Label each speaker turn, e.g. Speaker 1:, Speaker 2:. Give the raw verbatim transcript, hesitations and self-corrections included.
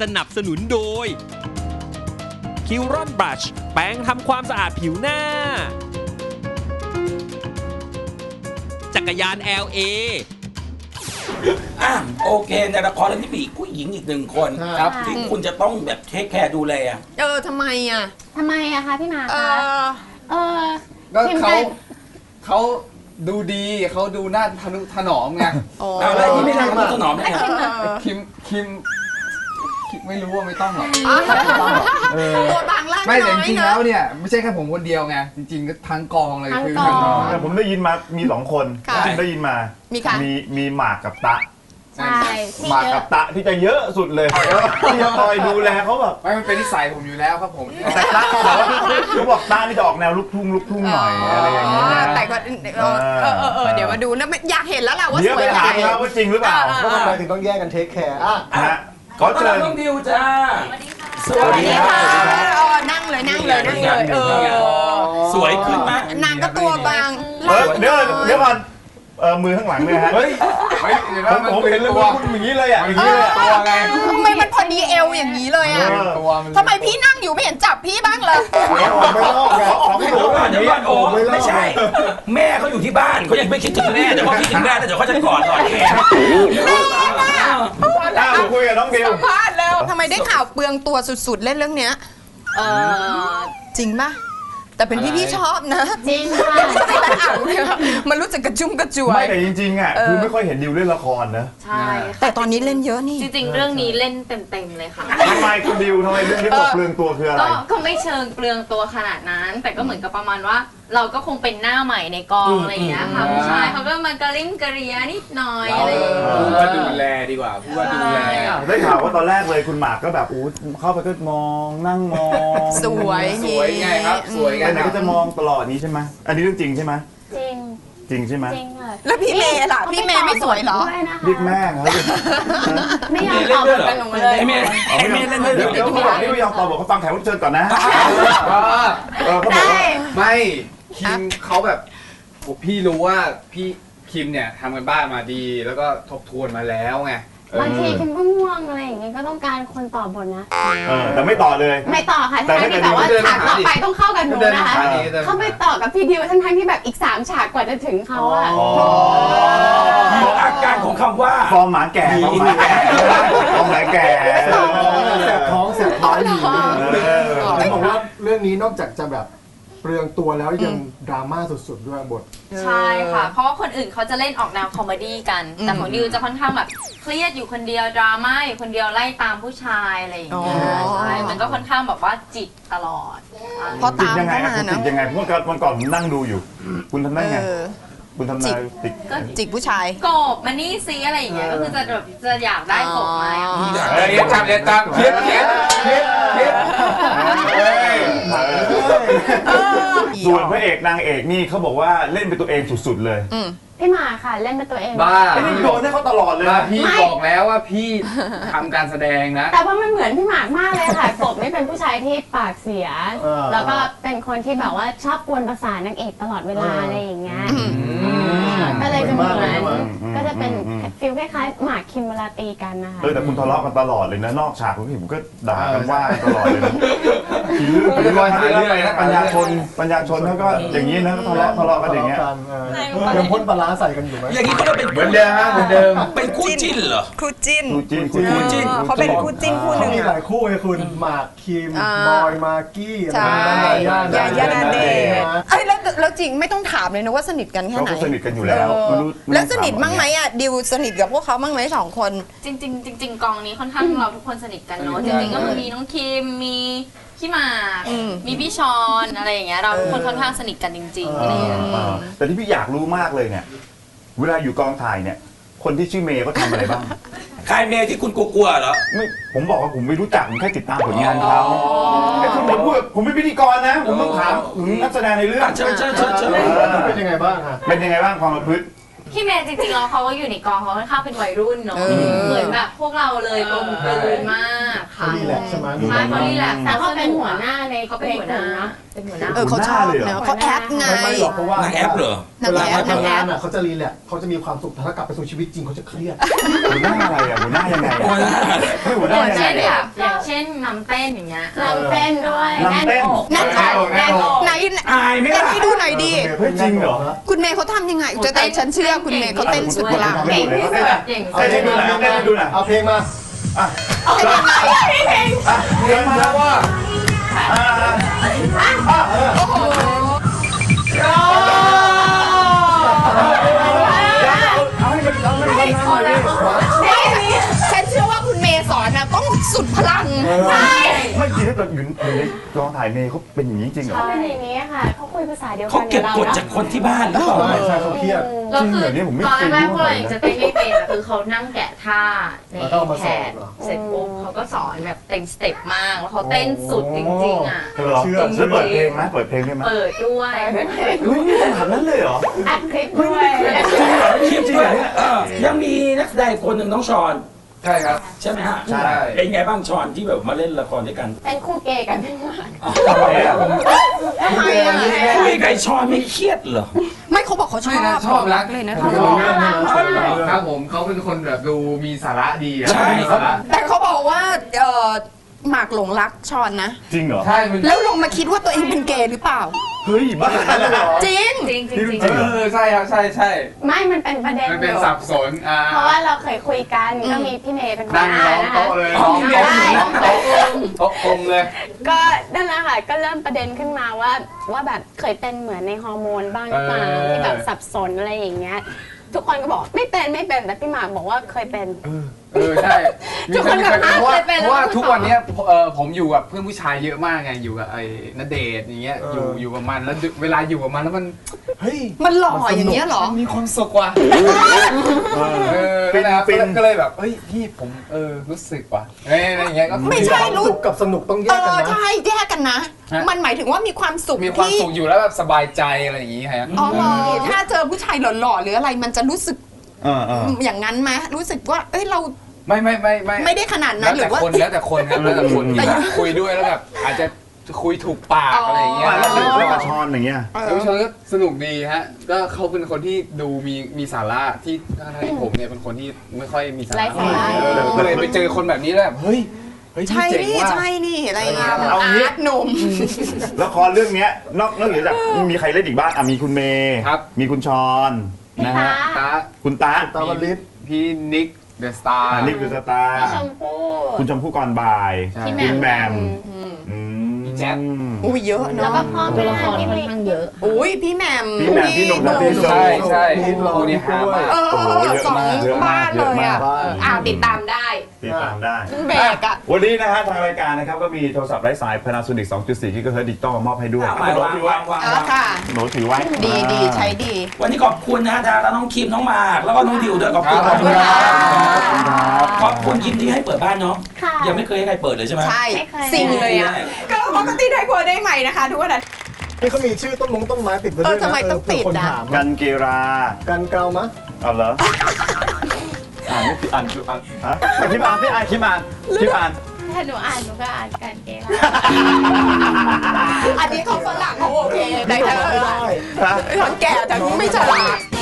Speaker 1: นับสนุนโดยคิวรอนบรัชแปรงทำความสะอาดผิวหน้าจักรยาน แอล เอ
Speaker 2: อ่ะโอเคในละครเรื่องนี้มีผู้หญิงอีกหนึ่งคนครับที่คุณจะต้องแบบเทคแคร์ดูแล
Speaker 3: เออทำไมอ่ะ
Speaker 4: ทำไมอะคะพี่มา
Speaker 3: เอ
Speaker 4: คะ
Speaker 3: อ
Speaker 4: เออ
Speaker 5: ก็เขาเขาดูดีเขาดูน่าทนุถนอมไง
Speaker 2: อะไรที่ไม่ได้มาถนอมเนี่ย
Speaker 5: คิมคิมคิมไม่รู้ว่าไม่ต้องหรอก
Speaker 3: ตัวบางล่าง
Speaker 5: ไม่แต่
Speaker 3: น้อย
Speaker 5: จริงๆ
Speaker 3: เน
Speaker 5: แล้ว
Speaker 3: อะ
Speaker 5: เนี่ยไม่ใช่แค่ผมคนเดียวไงจริงๆก็ทั้งกองเลยคือ
Speaker 6: แต่ผมได้ยินมามีสองคน
Speaker 3: ค่ะ
Speaker 6: ที่ได้ยินมา
Speaker 3: มีใคร
Speaker 6: มีมีหมากกับตะ
Speaker 4: ใช่ที่
Speaker 6: หมาก
Speaker 4: เย
Speaker 6: กั
Speaker 4: อะ
Speaker 6: บตะที่จะเยอะสุดเลยที่จะคอยดูแลเขาแบบ
Speaker 5: ไม่มันเป็นนิสัยผมอยู่แล้วครับผม
Speaker 6: แต่ตะแต่ว่าเขาบอกตะนี่จะออกแนวลูกทุ่งลูกทุ่งหน่อยอะไรอย่างเงี้ยนะ
Speaker 3: แต่ก็เออเออเออเออเดี๋ยวมาดูนะอยากเห็นแล้วแหละว่า
Speaker 6: เดี๋
Speaker 3: ส
Speaker 6: ยว
Speaker 3: ว
Speaker 6: ไป
Speaker 3: ย
Speaker 6: ถาม
Speaker 3: ไหม
Speaker 6: นะว่าจริงหรือเปล่า
Speaker 7: ก็ทำไมถึงต้องแยกกันเทคแคร์อ่ะ
Speaker 6: นะฮะข
Speaker 2: ข
Speaker 6: อ
Speaker 2: อต้อน
Speaker 6: เชิ
Speaker 2: รับ
Speaker 6: ญ
Speaker 2: น้องดิวจ้าส
Speaker 3: ส
Speaker 2: วั
Speaker 3: วั
Speaker 2: ส
Speaker 3: ส
Speaker 2: ดี
Speaker 3: ดี
Speaker 2: ครั
Speaker 3: ค่ะ
Speaker 2: บ
Speaker 3: เออนั่งเลยนั่งเลยนั่งเลยเออ
Speaker 2: สวยขึ้นมาก
Speaker 3: นางก็ตัวบาง
Speaker 6: เออเดี๋ยวเดี๋ยวก่อนเออมือข้างหลังเนี่ยฮะ
Speaker 5: เฮ้ยเฮ้ยเดี๋ยว
Speaker 6: ผ
Speaker 5: นะ
Speaker 6: ม
Speaker 5: มัน
Speaker 6: ผม
Speaker 5: เป็
Speaker 6: เห็น
Speaker 5: น
Speaker 6: เลย
Speaker 5: ตัว
Speaker 6: ว่าคุณอย่างนี้เลยอ่ะอย่างนี้เลยอะ
Speaker 5: ตัวไง
Speaker 3: ทำไมมันพอดีเอวอย่างนี้เลยอ่ะ
Speaker 5: เป็นตัวมัน
Speaker 3: ทำไมพี่นั่งอยู่ไม่เห็นจับพี่บ้างเลย
Speaker 7: ไม่รอดไง
Speaker 6: ของพี่หนู
Speaker 2: เดี๋ยวก่อนโอ้
Speaker 7: ไม่รอด
Speaker 2: ไม่ใช่ แม่เขาอยู่ที่บ้านเขายังไม่คิดถึงแม่เดี๋ยวพอคิดถึงแม่แล้วเดี๋ยวเขาจะกอดหน่อยเอง
Speaker 6: อ้าวคุยกับน้องดิว
Speaker 3: สัมภาษณ์แล้วทำไมได้ข่าวเปลืองตัวสุดๆเล่นเรื่องเนี้ย
Speaker 4: เออ
Speaker 3: จริงปะแต่เป็นพี่พี่ชอบนะ
Speaker 4: จริงค่ะ
Speaker 3: ไม่ตัดอ่างเลยอะมันรู้สึกกระชุ่มกระจว
Speaker 6: ไม่
Speaker 3: ย
Speaker 6: แต่จริงๆอ่ะคือไม่ค่อยเห็นดิวเล่นละครนะ
Speaker 4: ใช่ค่ะ
Speaker 3: แต่ตอนนี้เล่นเยอะนี่
Speaker 4: จริงๆ เรื่องนี้เล่นเต็มๆเลยค่ะ
Speaker 6: ทำไมคุณดิวทำไมเรื่องที่บอกเปลืองตัวคืออะไร
Speaker 4: ก็ก็ไม่เชิงเปลืองตัวขนาดนั้น แต่ก็เหมือนกับประมาณว่า เราก็คงเป็นหน้าใหม่ในกองอะไรอย่างเงี้ยค่ะผู้ชายเขาก็มากระลิ้มกระเรียนิดหน่อยอะไรอย่างเงี้ย
Speaker 5: พูดว่าดูแลดีกว่าพูดว่าดูแล
Speaker 6: ได้ข่าวว่าตอนแรกเลยคุณหมากก็แบบอู้เข้าไปก็มองนั่งมอง
Speaker 3: สวย
Speaker 5: สวยไงครับสวยไง
Speaker 6: ไปไหนก็จะมองตลอดนี้ใช่ไหมอันนี้เรื่องจริงใช่ไหม
Speaker 4: จริง
Speaker 6: จริงใช่ไหม
Speaker 4: จริงค่ะ
Speaker 3: แล้วพี่เมย์ล่ะพี่เมย์ไม่สวยเหรอ
Speaker 4: ด้วยนะคะ
Speaker 6: เรียกแม่ครับ
Speaker 4: ไม่ยอมตอบกันหนูเลย
Speaker 2: ไอ้เมย์ไอ้เมย์เล่นด้วยเหร
Speaker 6: เดี๋ยว
Speaker 2: อ
Speaker 6: เดี๋ยวเขาบอกที่ไม่ยอมตอบบอกเขาฟังแขกรับเชิญก่อนนะ เออเขาบอก
Speaker 3: ได้
Speaker 6: ว่า
Speaker 5: ไม่คิมเขาแบบผมพี่รู้ว่าพี่คิมเนี่ยทำกันบ้านมาดี แล้วก็ทบทวนมาแล้วไง
Speaker 4: บางทีคิมก็ง่วงอะไรอย่างเงี้ยก็ต้องการคนตอบบทนะ
Speaker 6: เออแต่ไม่ต่อเลย
Speaker 4: ไม่ต่อค่ะ
Speaker 6: แต่
Speaker 4: ทั้ง
Speaker 6: ถ้า
Speaker 4: ที่แบบว่า
Speaker 6: เดิน
Speaker 4: ฉากต่อไปต้องเข้ากับหนู
Speaker 5: เดิน
Speaker 4: นะคะ
Speaker 5: ทางนี้เดิน
Speaker 4: เข้าไปต่อกับพี่ดิวทั้งทั้งๆที่แบบอีกสามฉากกว่าจะถึงเขาอะ
Speaker 2: บอกอาการของคำว่า
Speaker 6: ฟอร์มหมาแก่ฟอร์มหมาแก่ฟอร์มหมาแก่
Speaker 7: แสบท้องแสบท้องอยู่
Speaker 6: เออ
Speaker 7: ผมบอกว่าเรื่องนี้นอกจากจะแบบเปลืองตัวแล้วยังดราม่าสุดๆด้วยบท
Speaker 8: ใช่ค่ะ เพราะว่าคนอื่นเขาจะเล่นออกแนวคอมเมดี้กัน แต่ของดิวจะค่อนข้างแบบเครียดอยู่คนเดียวดราม่าอยู่คนเดียวไล่ตามผู้ชายอะไรอย่างเงี้ย
Speaker 3: อ๋อ
Speaker 8: ใช่ มันก็ค่อนข้างแบบว่าจิตตลอด
Speaker 3: พอ
Speaker 6: จิต
Speaker 3: ตาม
Speaker 6: ยังไง
Speaker 3: เข้า
Speaker 6: อะ
Speaker 3: มา
Speaker 6: คุณ
Speaker 3: เน
Speaker 6: จิ
Speaker 3: อะ
Speaker 6: ตยังไงเพราะว่าวันก่อนผมนั่งดูอยู่ คุณทำได้ไง
Speaker 3: เออ
Speaker 6: คุณทำนายติด
Speaker 3: จิกผู้ชาย
Speaker 8: กบมันนี่ซีอะไรอย่างเงี้ย ก็คือจะแบบจะอยากได้กบมาอย่างเงี้ย
Speaker 5: เรียนจำเรียนจำคิดคิดคิดคิดเฮ้ย
Speaker 6: ส่วนพระเอกนางเอกนี่เขาบอกว่าเล่นเป็นตัวเองสุดๆเลย
Speaker 4: พี่หมาค่ะเล่นเป็นตัวเอง
Speaker 5: บ้า
Speaker 6: ไอ้นี่โยนให้เขาตลอดเลย
Speaker 5: บ้า
Speaker 6: นะ
Speaker 5: พี่บอกแล้วว่าพี่ทำการแสดงนะ
Speaker 4: แต่ว่ามันเหมือนพี่หมากมากเลยค่ะ กบนี่เป็นผู้ชายที่ปากเสีย
Speaker 7: เออ
Speaker 4: แล้วก็เป็นคนที่แบบว่าชอบกวนประสาทนางเอกตลอดเวลาอะไรอย่างเงี้ยก็เลยจะเหมือนก็จะเป็นฟิลคล้ายๆหมากคิมเวลาตีกันนะคะ
Speaker 6: เออแต่คุณทะเลาะกันตลอดเลยนะนอกฉากผมเห็นผมก็ด่ากันว่ากันตลอดเลยนะอีลืออีลือหาเรื่องอะไรนะปัญญาชนปัญญาชนเขาก็อย่างนี้นะทะเลาะทะเลาะกันอย่างเงี้ย
Speaker 7: ยังพ่นปลาร้าใส่กันอยู่ไหม
Speaker 2: อย่างนี้เขาจะเป็น
Speaker 5: เหมือนเดิมฮะเหมือนเดิม
Speaker 2: เป็นคู่จิ้นเหรอ
Speaker 3: คู่จิ้น
Speaker 6: คู่จิ้นคู่
Speaker 2: คู่จิ้
Speaker 6: จิ้น
Speaker 2: น
Speaker 3: เขาเป็นคู่จิ้นคู่หนึ่ง
Speaker 7: มีห
Speaker 3: อะ
Speaker 7: ลายคู่ไงคุณหมากคิม
Speaker 3: อ่า
Speaker 7: บอยมากกี้
Speaker 3: ใช่
Speaker 7: อะไรนะ
Speaker 3: ยาย่านาเดชน์เอ้ยแล้วแล้วจริงไม่ต้องถามเลยนะว่าสนิทกันแค่
Speaker 6: เขา
Speaker 3: ไหน
Speaker 6: ก็สนิทกันอยู่แล้ว
Speaker 3: เออ
Speaker 6: ไม่รู้
Speaker 3: แล้วสนิทบ้างไหมอ่ะดิวสนิทกับพวกเขาบ้างไหมสองคน
Speaker 8: จริงๆจริงๆกองนี้ค่อนข้างเราทุกคนสนิทกันเนาะ จริงๆก็มีน้องคิม มีพี่หมาก
Speaker 3: อืม
Speaker 8: มีพี่ชอนอะไรอย่างเงี้ย เราทุกคนค่อนข้างสนิทกันจริงๆอะไรอย่างเงี้ย
Speaker 6: เออแต่ที่พี่อยากรู้มากเลยเนี่ย เวลาอยู่กองถ่ายเนี่ย คนที่ชื่อเมย์เขาทำอะไรบ้าง
Speaker 2: ใครเมย์ที่คุณกลัวๆเหรอ
Speaker 6: ไม่ผมบอกว่าผมไม่รู้จักผมแค่ติดตามผลงานเขาไอ้คุณผมพูดผมเป็นพิธีกรนะ ผมต้องถามถึงนักแสดงในเรื่อง
Speaker 2: เชิญเชิญเชิญเชิญ
Speaker 7: เป็นยังไงบ้างฮะ
Speaker 6: เป็นยังไงบ้างความประพฤติ
Speaker 8: พี่เมย์จริงๆแล้วเขาก็อยู่ในกองเขาค่อนข้างเป็นวัยรุ่นเนาะ
Speaker 3: เออ
Speaker 8: เหมือนแบบพวกเราเลยกลมกลืนมากค่ะ
Speaker 7: รีแลกซ์ใช่ไหม
Speaker 8: ใช่เขารีแลกซ์
Speaker 4: แต่เขาเป็นหัวหน้าใน
Speaker 8: เขาเป็นหัวหน้า
Speaker 4: เนาะ
Speaker 8: เป็นหัวหน้า
Speaker 3: เออเขาชอบเนอะเขาแอปไง
Speaker 7: ไม่ไม่หรอกเพราะว่าน
Speaker 2: างแอปเหรอ
Speaker 3: นาง
Speaker 7: เวลา
Speaker 3: แอป
Speaker 7: เขา
Speaker 3: นาง
Speaker 7: ทำ
Speaker 3: แอง
Speaker 7: าน
Speaker 3: ป
Speaker 7: อ่ะเขาจะรีแลกซ์เขาจะมีความสุขแต่ถ้ากลับไปสู่ชีวิตจริงเขาจะเครียด
Speaker 6: หัวหน้าอะไรอ่ะหัวหน้ายังไง
Speaker 2: หัวหน้า
Speaker 6: ไม่หัวห
Speaker 8: อ
Speaker 6: น้า
Speaker 8: ย่าง
Speaker 6: ยังไง
Speaker 8: เช่นแบ
Speaker 6: อ่ะ
Speaker 8: บอย่างเช่นนำเต้นอย่างเงี้ย
Speaker 4: ลำเต้นด้วย
Speaker 6: ลำเต้น
Speaker 3: แน่นอกแน่นอกไหน
Speaker 2: อายไหม
Speaker 3: เต้น
Speaker 2: ล่ะ
Speaker 3: ให้ดูหน่อยดิ
Speaker 6: เฮ้ยจริงเหรอ
Speaker 3: คุณเมย์เขาทำยังไงจะแต่ฉันเชื่อคุณเมย์เขาเต้นสุดพลัง
Speaker 6: เก่งที่สุด
Speaker 8: เก่ง
Speaker 6: เต้นให้ดูหน่อยเต้นให้ดูหน่อย
Speaker 7: เอาเพลงมา
Speaker 6: อ่ะ
Speaker 3: เป็นยังไงอะ
Speaker 6: อ่ะเดินมาว่าอ่าอ่ะ
Speaker 3: โอ้โห
Speaker 6: เอาให้มันเอาให้มันเอาให้มัน
Speaker 3: นี่ฉันเชื่อว่าคุณเมย์สอนนะต้องสุดพลัง
Speaker 6: ไม่จริงถ้าเกิดอยู่อยู่ในกองถ่ายเมย์เขาเป็นอย่างนี้จริงเหรอ
Speaker 4: เขาเป็นอย่างนี้ค่ะเขาคุยภาษาเดียวกั
Speaker 2: เขา
Speaker 4: น
Speaker 2: เก็บกด
Speaker 4: บเรา
Speaker 2: จากคนที่บ้านหรือเปล่า
Speaker 7: ใช่ใช่เขาเครียด
Speaker 8: แล้ว
Speaker 6: จริง
Speaker 8: คือ
Speaker 6: เหรอเนี่ยผมไม่
Speaker 8: ตอน
Speaker 6: เคย
Speaker 8: แรก
Speaker 6: รู้
Speaker 8: ๆพวก
Speaker 6: เล
Speaker 8: เรา
Speaker 6: ย
Speaker 8: จะเต้นไม่เป็นอะคือเขานั่งแกะท่าใน
Speaker 7: แล้วก็เอามา
Speaker 8: แพ
Speaker 7: สอน
Speaker 8: ด
Speaker 7: เหรอ
Speaker 8: เสร็จปุ๊บเขาก็สอนแบบเต็มสเต็ปมากแล้วเขาเต้นสุดจริงๆอ่ะ
Speaker 6: เธอเหรอ
Speaker 7: เชื่อ
Speaker 6: แล้วเปิดเพลงไหมเปิดเพลงได้ไหม
Speaker 8: เปิดด้วย
Speaker 6: เฮ้ยนี่ขนาดนั้นเลยเหรอ
Speaker 4: อัดคลิปด้วย
Speaker 2: คลิปด้วยเออยังมีนักแสดงอีกคนหนึ่งน้องชอน
Speaker 5: ใช่ครับ
Speaker 2: ใช่ไหมฮะ
Speaker 6: ใช่
Speaker 2: เป็นไงบ้างชอนที่แบบมาเล่นละครด้วยกัน
Speaker 4: เป็นคู่เกย์กันพี่หมาก
Speaker 6: ทำไมอ่ะ
Speaker 3: ทำไมอะ
Speaker 2: คุยกับไอ้ชอนไม่เครียดเหรอ
Speaker 3: ไม่เขาบอกเขาชอบ
Speaker 5: ไม่นะชอบรัก
Speaker 3: เลยนะ
Speaker 7: เขาบอกว่าชอบเรื่อง
Speaker 5: ครับผมเขาเป็นคนแบบดูมีสาระดีอะ
Speaker 2: ใช่
Speaker 5: มีสาระ
Speaker 3: แต่เขาบอกว่าเออหมากหลงรักชอนนะ
Speaker 6: จริงเหรอ
Speaker 5: ใช่มัน
Speaker 3: แล้วลงมาคิดว่าตัวเองเป็นเกย์หรือเปล่า
Speaker 6: เฮ้ยบ้าเลยเหรอ
Speaker 3: จริง
Speaker 8: จริงจริงจริง
Speaker 6: จริงเหรอ
Speaker 5: เออใช่ครับใช่ใช่
Speaker 4: ไม่มันเป็นประเด็น
Speaker 5: มันเป็น
Speaker 4: อยู่
Speaker 5: สับสนอ่า
Speaker 4: เพราะว่าเราเคยคุยกันก็มีพี่เมย์เป็นหัว
Speaker 5: นั่ง
Speaker 4: หน้า
Speaker 5: ล้อม
Speaker 4: นะคะ
Speaker 5: โต๊ะเลย
Speaker 2: อ๋อ
Speaker 5: ล้อม
Speaker 2: มี
Speaker 5: โต๊ะ
Speaker 2: เมีย
Speaker 5: ล้อมโต๊ะโต๊ะกลมเลย
Speaker 4: ก็นั่นแหละค่ะก็เริ่มประเด็นขึ้นมาว่าว่าแบบเคยเป็นเหมือนในฮอร์โมนบ้างหรือเปล่า
Speaker 5: เออ
Speaker 4: ที่แบบสับสนอะไรอย่างเงี้ยทุกคนก็บอกไม่เป็นไม่เป็นแต่พี่หมากบอกว่าเคยเป็น
Speaker 5: เออใช่มี
Speaker 4: ทุกคนแบบ
Speaker 5: เพราะว่า
Speaker 4: เคยเป็น
Speaker 5: เพราะว่า
Speaker 4: แล้วก็
Speaker 5: ทุกวันเนี้ยเออผมอยู่กับเพื่อนผู้ชายเยอะมากไงอยู่กับไอ้ณเดชน์อย่างเงี้ยอยู่อยู่กับมันแล้วเวลาอยู่กับมันแล้วมันเฮ้ย
Speaker 3: มันหล่ออย่างเงี้ยเหรอ
Speaker 5: มันมีความสุขว่ะ
Speaker 6: เออ
Speaker 5: เออ
Speaker 6: ฟิน
Speaker 5: แล้ว
Speaker 6: ฟิน
Speaker 5: ก็เลยแบบเฮ้ยพี่ผมเออรู้สึกว่ะเอ้ยอะไรอย่างเงี้ยก็
Speaker 3: ไม่ใช่
Speaker 7: ความ
Speaker 3: รู้
Speaker 7: สุขกับสนุกต้องแย
Speaker 3: เอก
Speaker 7: กัน
Speaker 3: อ
Speaker 7: นะ
Speaker 3: ใช่แยกกันนะ
Speaker 5: ฮะ
Speaker 3: มันหมายถึงว่ามีความสุข
Speaker 5: มีความ
Speaker 3: ที่
Speaker 5: สุขอยู่แล้วแบบสบายใจอะไรอย่างงี้ฮะ
Speaker 3: อ๋อเหรอถ้าเจอผู้ชายหล่อๆหรืออะไรมันจะรู้สึก
Speaker 6: เออเออ
Speaker 3: อย่างนั้นไหมรู้สึกว่า เอ้ยเรา
Speaker 5: ไม่ไม่ไม่ไม่
Speaker 3: ไม่ได้ขนาดนั้
Speaker 5: แล้
Speaker 3: น
Speaker 5: ว
Speaker 3: หรื
Speaker 5: แต่
Speaker 3: อว่า
Speaker 5: คนแล้วแต่คนครับแล้วแต่คน
Speaker 3: แต่
Speaker 5: ที่คุยด้วยแล้วแบบอาจจะคุยถูกปากอะไรอย่างเงี้ย
Speaker 6: แล้วแล้วแล้วกับชอนอย่างเงี้ย
Speaker 3: เอ
Speaker 5: แล้ว
Speaker 3: อ
Speaker 5: ชนก็สนุกดีฮะ ก็เขาเป็นคนที่ดูมีมีสาระที่ทั้งที่ผมเนี่ยเป็นคนที่ไม่ค่อยมีสา
Speaker 4: ไร้
Speaker 5: ระ
Speaker 4: สาระ
Speaker 5: เออก็เลยไปเจอคนแบบนี้แล้วแบบเฮ้ยเฮ้ยพี่
Speaker 3: ใช่
Speaker 5: เจ๋ง
Speaker 3: นี่
Speaker 5: ว่ะ
Speaker 3: ใช่นี่อะไรอย่างเงี้ย
Speaker 6: เอางี้
Speaker 3: อาร์ตหนุ่ม
Speaker 6: ละครเรื่องเนี้ยนอกนอกเหนือจากมีใครเล่นอีกบ้างอ่ะมีคุณเมย์
Speaker 5: ครับ
Speaker 6: มีคุณชอนนะฮะ
Speaker 5: ตา
Speaker 6: คุณตา
Speaker 7: ตาวลิศ
Speaker 5: พี่นิกเดอะสตาร์
Speaker 6: อันนี้คือสตาร์
Speaker 4: พี่ชมพู่
Speaker 6: คุณชมพู่ก่อนบ่าย
Speaker 5: ใช่
Speaker 6: คุณแหมม
Speaker 3: อืม
Speaker 6: อืม
Speaker 5: พี่แจ๊ค
Speaker 3: อุ้ยเยอะ
Speaker 4: แล้ว
Speaker 3: เนาะ
Speaker 4: ก็พ่อแม่ที่มี
Speaker 3: อุ้ยพี่แหม่ม
Speaker 6: พี่แหม่มพี่หนุ่มและพี่โซ
Speaker 5: ใช่ใช่
Speaker 7: มีร้อง
Speaker 5: คู่นี้ฮามาก
Speaker 3: เออ
Speaker 6: โอ้โหเยอะ
Speaker 3: สอง
Speaker 6: มากเยอะมาก
Speaker 3: บ้านเลยอ่ะ
Speaker 6: เยอะมาก
Speaker 3: เอออ้าวติดตามได้
Speaker 6: ติดตามได้
Speaker 3: เบรกอ่ะ
Speaker 6: วันนี้นะฮะทางรายการนะครับก็มีโทรศัพท์ไร้สาย Panasonic สองจุดสี่ กิกะเฮิรตซ์ดิจิตอลมามอบให้ด้วย
Speaker 2: วางวางวางวาง
Speaker 3: เออ
Speaker 2: วาง
Speaker 3: ค่ะ
Speaker 6: หนูถือไว้
Speaker 3: ดีดีใช้ดี
Speaker 2: วันนี้ขอบคุณนะฮะทางน้องคิมน้องหมากแล้วก็น้องดิวด้วยขอบคุณ
Speaker 5: ขอบคุณครับ
Speaker 2: ขอบคุณคิมที่ให้เปิดบ้านเนาะ
Speaker 4: ค่ะ
Speaker 2: ยังไม่เคยให้ใครเปิดเลยใช่ไหม
Speaker 3: ใช่
Speaker 4: ไม่เคย
Speaker 3: สิ่งเลยอ่ะ ก็ปกติได้กลัวได้ใหม่นะคะ ทุกวันอาทิตย์
Speaker 7: นี่เขามีชื่อต้นมงต้นไม้ติดไว้ด้วย
Speaker 3: เออ
Speaker 7: นะ
Speaker 3: ทำไมต้องติด
Speaker 7: เผื่คน
Speaker 3: อ่ะ
Speaker 7: ถาม
Speaker 6: กันเกรา
Speaker 7: กันเกลามะ
Speaker 6: เอาเหรออ่านไม่ผิดอ่านอ่านฮะคลิปอ่านพี่อ่านคลิปอ่านคลิปอ่าน
Speaker 4: ถ้าหนูอ่านหนูก็อ่านกันเอง
Speaker 3: อันนี้เขาฝรั่งเขาโอเคแต่เธอ
Speaker 7: ไม่ได้
Speaker 6: ฮะ
Speaker 3: คนแก่แต่ไม่ฉลาด